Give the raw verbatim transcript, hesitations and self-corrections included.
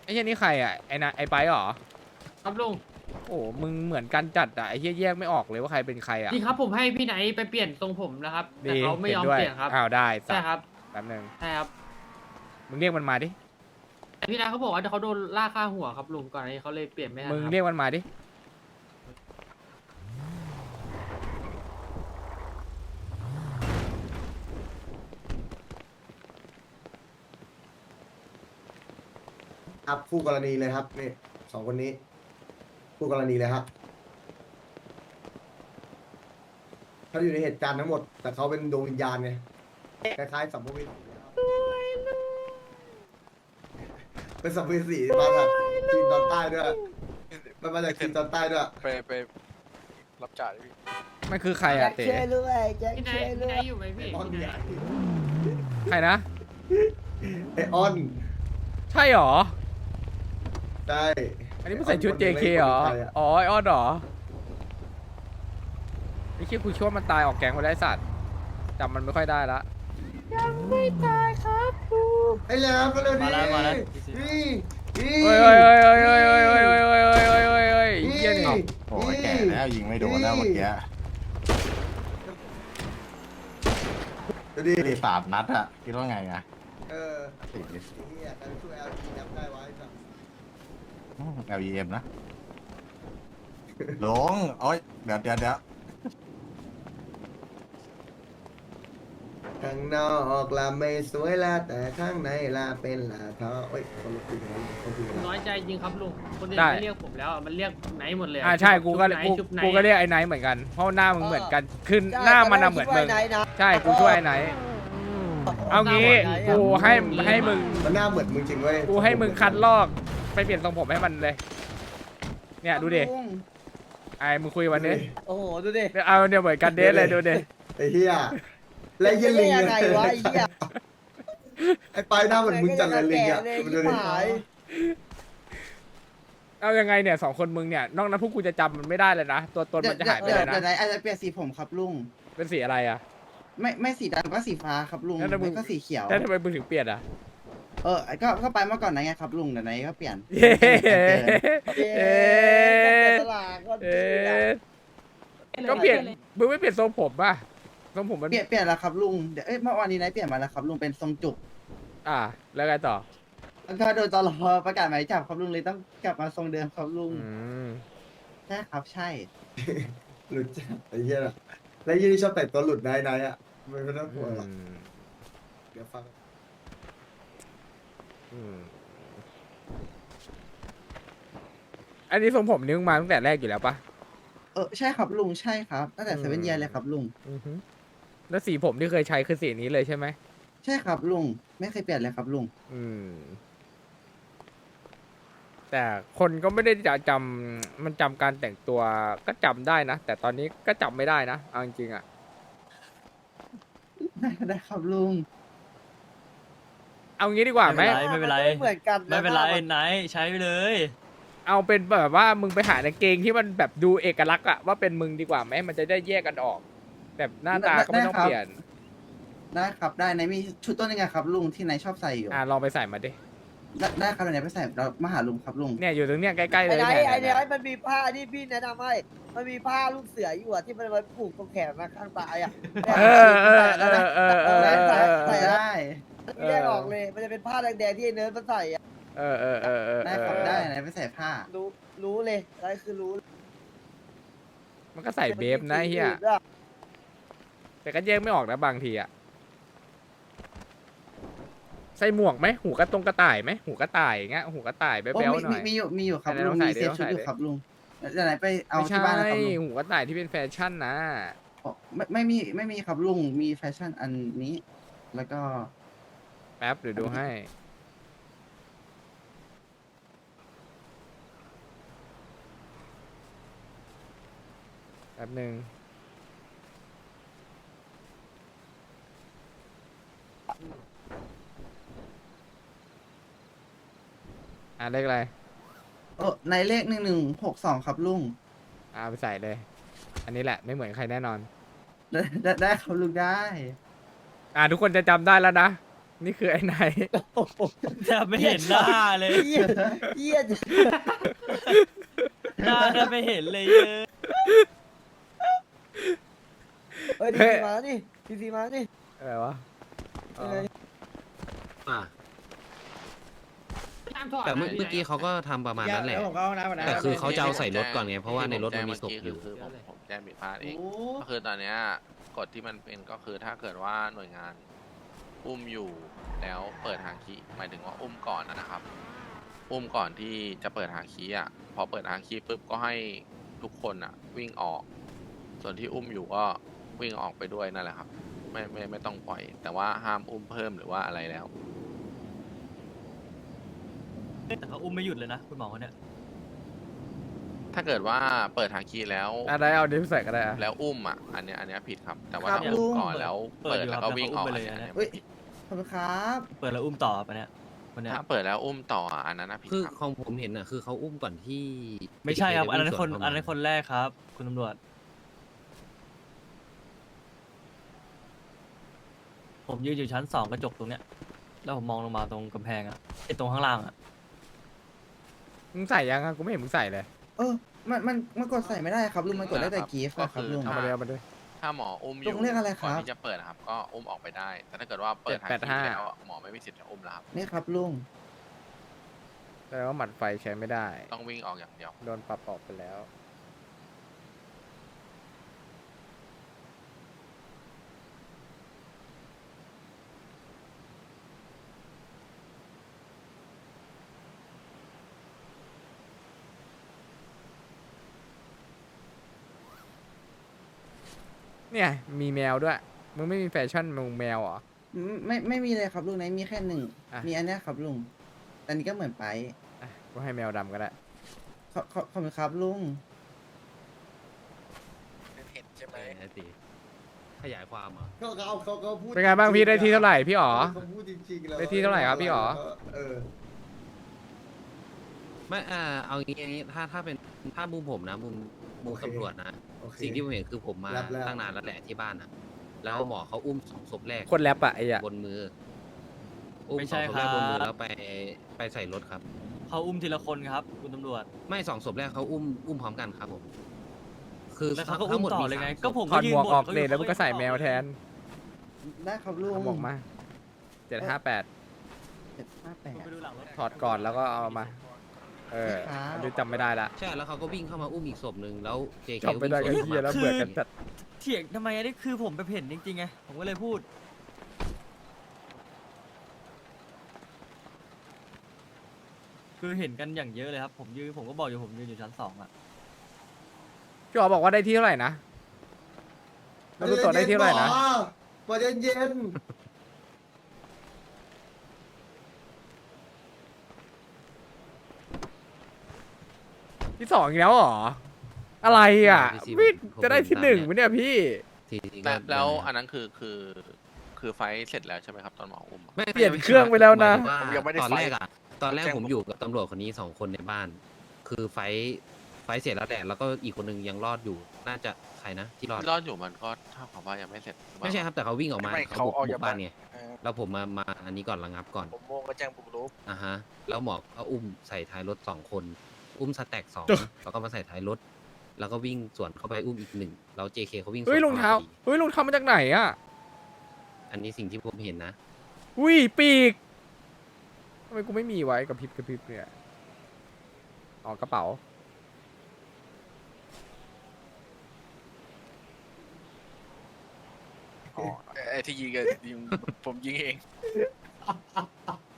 ไอ้เหี้ยนี่ใครอ่ะไอ้นะไอ้ไปเหรอครับลุงโอ้มึงเหมือนกันจัดอ่ะไอ้เหี้ยแยกไม่ออกเลยว่าใครเป็นใครอ่ะดีครับผมให้พี่ไนท์ไปเปลี่ยนทรงผมนะครับ แต่ดีเขาไม่ยอมห็นด้วยเปลี่ยนครับอ้าวได้สัใช่ตว์ครับแป๊บนึงใช่ครับมึงเรียกมันมาดิแต่พี่ไนท์เขาบอกว่าเขาโดนล่าค่าหัวครับลุงก่อนอันนี้เขาเลยเปลี่ยนไม่ทันมึงครับเรียกมันมาดิครับคู่กรณีเลยครับนี่สองคนนี้คู่กรณีเลยครับเขาอยู่ในเหตุการณ์ทั้งหมด แต่เขาเป็นดวงวิญญาณไงคล้ายๆสัมภเวสีครับเป็นสัมภเวสีมาจากจีนตอนใต้ด้วยมันมาจากจีนตอนใต้ด้วยไปไปรับจ่ายดิพี่มันคือใครอ่ะเต๋ช่วยด้วยแจ็คพี่ไนช่วยท์ด้พี่วไนยท์อยู่ไหมพี่ไอออนพี่เนี่ไนยท์ใครนะไอออนใช่เหรอใช่อันนี้มึงใส่ชุด เจ เค เหรอ อ๋อไอออนเหรอไอ้คิดกูช่วยมันตายออกแก๊งไปได้สัตว์จำมันไม่ค่อยได้ละไอแหลมก็เลยมาแล้วมาแล้วนี่นี่เฮ้ยเฮ้ยเฮ้ยเฮ้ยเฮ้ยเฮ้ยเฮ้ยเฮ้ยเฮ้ยเฮ้ยเฮ้ยเฮ้ยเฮ้ยเหี้ยนี่โอ้ยแก่แล้วยิงไม่โดนแล้วเมื่อกี้ดูดิไม่ได้สาดนัดอะคิดว่าไงอะเออติดไอ้เหี้ยการช่วย แอล จี นับได้ไว้จ้ะแอล อี เอ็ม นะหลงโอ้ยเดี๋ยวเดี๋ยวเดี๋ยวข้างนอกละไม่สวยละแต่ข้างในละเป็นละเท้าเอ้ยคนละคุยกันคนคุยกันน้อยใจจริงครับลุงคนอื่นได้ไม่เรียกผมแล้วมันเรียกไนท์หมดเลยอ่าใช่กูก็ชุบไนกูท์ชุบไนกูท์ก็เรียกไอ้ไนท์เหมือนกันเพราะหน้ามึงเหมือนกันคือหน้ามันน่ะเหมือนมึง ใช่กูช่วยไอ้ไนท์เอางี้กูให้ให้มึงมันหน้าเหมือนมึงจริงเว้ยกูให้มึงคัดลอกไปเปลี่ยนทรงผมให้มันเลย เนี่ยดูดิไอ้มึงคุยกับมันดิโอ้โหดูดิเอาเนี่ยเหมือนกันเดทเลยดูดิไอ้เหี้ยและเหี้ยลิงยังไงวะไอ้เหี้ยไอ้ปลายหน้าเหมือนมึงจัดเลยลิงอ่ะเลยมันชิดูบดิหายเอายังไงเนี่ยสองคนมึงเนี่ยนอกนั้นพวกกูจะจำมันไม่ได้เลยนะตัวตนมันจะหายไปเดี๋เลยวยนะเดี๋ยวไหนอาจจะเปลี่ยนสีผมครับลุงเป็นสีอะไรอ่ะไม่ไม่สีดำก็สีฟ้าครับลุงแล้วถ้ามึงไม่ก็สีเขียวแล้วทำไมมึงถึงเปลี่ยนอ่ะเออก็ก็ไปเมื่อก่อนนะไงครับลุงเดี๋ยวไหนก็เปลี่ยนเย้เอ๊เอ๊ะะตลาดก็เอ๊ะก็เปลี่ยนมึงไม่เปลี่ยนทรงผมป่ะทรงผมมันเปลี่ยนเปลี่ยนแล้วครับลุงเดี๋ยวเอ้ยเมื่อวานนี้ไหนเปลี่ยนมาแล้วครับลุงเป็นทรงจุกอ่ะแล้วไงต่อแล้วก็โดนตลอประกาศหมายจับครับลุงเลยต้องกลับมาทรงเดิมครับลุงอืมใช่ครับใช่หลุดจัดไอ้เหี้ยน่ะและยี่นี่ชอบแต่งตัวหลุดนายนายอ่ะไม่ไม่ต้องกลัวหรอกอืมเดี๋ยวฟังอืมอันนี้ทรงผมนี่มึงมาตั้งแต่แรกอยู่แล้วปะเออใช่ครับลุงใช่ครับตั้งแต่อืมเซเว่นเยียเลยครับลุงอือฮึแล้วสีผมที่เคยใช้คือสีนี้เลยใช่ไหมใช่ครับลุงไม่เคยเปลี่ยนเลยครับลุงอืม แต่คนก็ไม่ได้จะจำมันจำการแต่งตัวก็จำได้นะ แต่ตอนนี้ก็จำไม่ได้นะเอาจริงๆอ่ะได้ได้ครับลุงเอางี้ดีกว่าไหมไม่เป็นไรเหมือนกันไม่เป็นไรไหนใช้ไปเลยเอาเป็นแบบว่ามึงไปหากางเกงที่มันแบบดูเอกลักษณ์อะว่าเป็นมึงดีกว่าไหมมันจะได้แยกกันออก แบบหน้าตาก็ไม่ต้องเปลี่ยนได้ครับได้ไหนมีชุดตัวนึงอะครับลุงที่ไหนชอบใส่อยู่อ่ะลองไปใส่มาดิได้ได้ครับเดี๋ยวไหนไปใส่เรามาหาลุงครับลุงเนี่ยอยู่ตรงเนี้ยใกล้ๆเลไอ้ยไหนเนี่ยไอ้ไหนเนี่ยมันมีผ้าที่พี่แนะนำให้มันมีผ้าลูกเสืออยู่อะที่มันมาผูกตรงแขนมาข้างตายอะเออเออเออเออเออเออเออใส่ได้ไม่ได้ออกเลย มันจะเป็นผ้าแดงๆที่ไอ้เนิร์ดมันใส่อะเออเออเออเออได้ครับได้ไหนไปใส่ผ้ารู้รู้เลยอะไรคือรู้มันก็ใส่เบฟนะเฮียแต่ก็แยกไม่ออกนะบางทีอะใส่หมวกไหมหูกระตรงกระต่ายไหมหูกระต่ายอย่างเงี้ยหูกระต่ายแบ๊โอ้วมีๆหน่อยมีอยู่มีอยู่ครับไหนลุลอง งใส่มีดิเซฟลองชุดใส่อยู่ดิครับลุงเดี๋ยวไหนไปเอาไม่ที่ใช่บ้านนะครับลุงหูกระต่ายที่เป็นแฟชั่นนะอ๋อไม่ไม่มีไม่มีครับลุงมีแฟชั่นอันนี้ แล้วก็แป๊บเดี๋ยวดูให้แป๊บหนึ่งอ่ะเลขอะไรโอ้ในเลขหนึ่งหนึ่งหกสองครับลุงอ่ะไปใส่เลย อันนี้แหละไม่เหมือนใครแน่นอนได้ได้ได้ครับลุงได้อ่ะทุกคนจะจำได้แล้วนะนี่คือไอ้ไหนจะไม่เห็นหน้าเลยเหี้ยเหี้ยหน้าจะไม่เห็นเลยเยอะเฮ้ยทีซีมาดิทีซีมาดิอะไรวะอ๋อยังไงอ่ะห้ามถอดแต่เมื่อนะเมื่อกี้เขาก็ทำประมาณนั้นแหละผมก็เอาน้ำมานะแต่คือเขาจะเอาใส่รถก่อนไง เพราะว่าในรถมันมีศพอยู่คือผมผมแจ้งผิดพลาดเองโอ้ก็คือตอนเนี้ยกฎที่มันเป็นก็คือถ้าเกิดว่าหน่วยงานอุ้มอยู่แล้วเปิดหางคีหมายถึงว่าอุ้มก่อนนะนะครับ อุ้มก่อนที่จะเปิดหางคีอ่ะพอเปิดหางคีปุ๊บก็ให้ทุกคนอ่ะ วิ่งออก ส่วนที่อุ้มอยู่ก็วิ่งออกไปด้วยนั่นแหละครับ ไม่ไม่ไม่ต้องปล่อย แต่ว่าห้ามอุ้มเพิ่มหรือว่าอะไรแล้วแต่เขาอุ้มไม่หยุดเลยนะคุณหมอคนเนี้ยถ้าเกิดว่าเปิดหางคีแล้วอะไรเอาดิฟใส่ก็ได้อะแล้วอุ้มอ่ะอันเนี้ยอันเนี้ยผิดครับ แต่ว่าครับถ้าอุ้มลุงก่อนแล้วเปิดแล้วก็วิ่งออกเปิดอันอยู่ครับเนี้ยเฮ้ยไม่ผิดขอบคุณครับเปิดแล้วอุ้มต่อปะเนี่ยคนเนี้ยถ้าเปิดแล้วอุ้มต่ออ่ะอันนั้นนะผิดคือครับของผมเห็นอ่ะ คือเขาอุ้มก่อนที่ไม่ใช่ครับ อันนั้นจะคนวิ่งสวอันนั้นเข้ามาคนแรกครับ คุณตำรวจ ผมยืนอยู่ชั้นสองกระจกตรงเนี้ย แล้วผมมองลงมาตรงกำแพงอะไอตรงข้างล่างอะมึงใส่ยังอะกูไม่เห็นมึงใส่เลยเออมันมันมันกดใส่ไม่ได้ครับลุงมันกดได้แต่กีฟอะครับลุงเอามาเลยเอามาเลยถ้าหมออุ้มอลุยู่งเรียกอะไรครับก่อนที่จะเปิดนะครับ ก็อุ้มออกไปได้ แต่ถ้าเกิดว่าเปิดทางเจ็ดแปดที่ห้าแล้วอ่ะหมอไม่มีสิทธิ์จะอุ้มแล้วครับนี่ครับลุงแสดงว่าหมัดไฟใช้ไม่ได้ต้องวิ่งออกอย่างเดียวโดนปรับออกไปแล้ว เนี่ยมีแมวด้วย มึงไม่มีแฟชั่นมึงแมวเหรอไม่ไม่มีเลยครับลุงไหนมีแค่หนึ่งอ่ะมีอันเนี้ยครับลุงอันนี้ก็เหมือนไปอ่ะกูให้แมวดำก็ได้ขอขอขอบคุณครับลุงเห็นใช่ไหมเออนะสิขยายความเหรอเขาเขาเขาเขาพูดเป็นไงบ้างพี่ได้ที่เท่าไหร่พี่อ๋อเขาพูดจริงๆแล้วได้ที่เท่าไหร่ครับพี่อ๋อเออไม่อ่าเอางี้อย่างงี้ถ้าถ้าเป็นถ้ามุมผมนะมุมมุมโอเคตำรวจนะโอเคสิ่งที่ผมเห็นคือผมมารับแล้วตั้งนานแล้วแหละที่บ้านนะแล้วหมอเขาอุ้มสองศพแรกคนแรปอะไอ้อะบนมือ อุ้มไม่สอใช่งศพคแรรักบนมือบ แล้วไปไปใส่รถครับเขาอุ้มทีละคนครับ คุณตำรวจไม่สองศพแรกเขาอุ้มอุ้มพร้อมกันครับผม คือแล้วเขาก็ทั้อุ้งมหมดต่อมีเลยไงสามศพก็ผมถอดยืหนมวกบ่นออกขาเลยแล้วมึงก็ใส่แมวแทนได้ครับลุงเอาหมวกมาเจ็ดห้าแปดเจ็ดห้าแปดไปดูหลังรถถอดก่อนแล้วก็เอามา เออครับอันนี้จำไม่ได้ละใช่แล้วเขาก็วิ่งเข้ามาอุ้มอีกศพหนึ่งแล้วเจเคจำไม่ได้ก็วิ่งสวนเฮียแล้วมาเบื่อกันจัดเถียงทำไมอันนี้คือผมไปเห็นจริงๆไง ผมก็เลยพูด คือเห็นกันอย่างเยอะเลยครับ ผมยืนผมก็บอกอยู่ผมยืนอยู่ชั้นสองอะพี่อ๋อบอกว่าได้ที่เท่าไหร่นะแล้วรู้ตัวได้ที่เท่าไหร่นะหมอเย็นเย็นที่สองอีกแล้วเหรอ อะไรอ่ะพี่ซิมพี่ผมจะได้ที่หนึ่งไหมเนี่ยพี่ทีนี้ก็แล้วแล้วอันนั้นคือคือคือไฟท์เสร็จแล้วใช่ไหมครับตอนหมออุ้มอะไม่เปลี่ยนเครื่องไปแล้วนะหมาผมยยังไม่ได้ถึงว่าตอนไฟแรกอะตอนแรกแจ้งผมอยู่กับตำรวจคนนี้สองคนในบ้าน คือไฟท์ไฟท์เสร็จแล้วแหละแล้วก็อีกคนนึงยังรอดอยู่ น่าจะใครนะที่รอดที่รอดอยู่มันก็เท่ากับว่ายังไม่เสร็จหอเปล่าไม่ใช่ครับแต่เขาวิ่งออกมาไม่เขาบุกเขาออกบุจากกบ้านบ้านไงเออแล้วผมมามาอันนี้ก่อนระงับก่อนผมโมงก็แจ้งบุกรุกอ่ะฮะ แล้วหมอก็อุ้มใส่ท้ายรถสองคน อุ้มสแต็กสองแล้วก็มาใส่ท้ายรถ แล้วก็วิ่งสวนเข้าไปอุ้มอีกหนึ่งแล้วเจเคเขาวิ่งสวนเฮ้ยรองเท้าข้มพอดีเฮ้ยรองเท้ามาจากไหนอ่ะอันนี้สิ่งที่ผมเห็นนะอุ้ยปีกทำไมกูไม่มีไว้กับพริบกับพริบเนี่ยอ๋อกระเป๋าอ๋อไอ้ที่ยิงอะยิงผมยิงเอง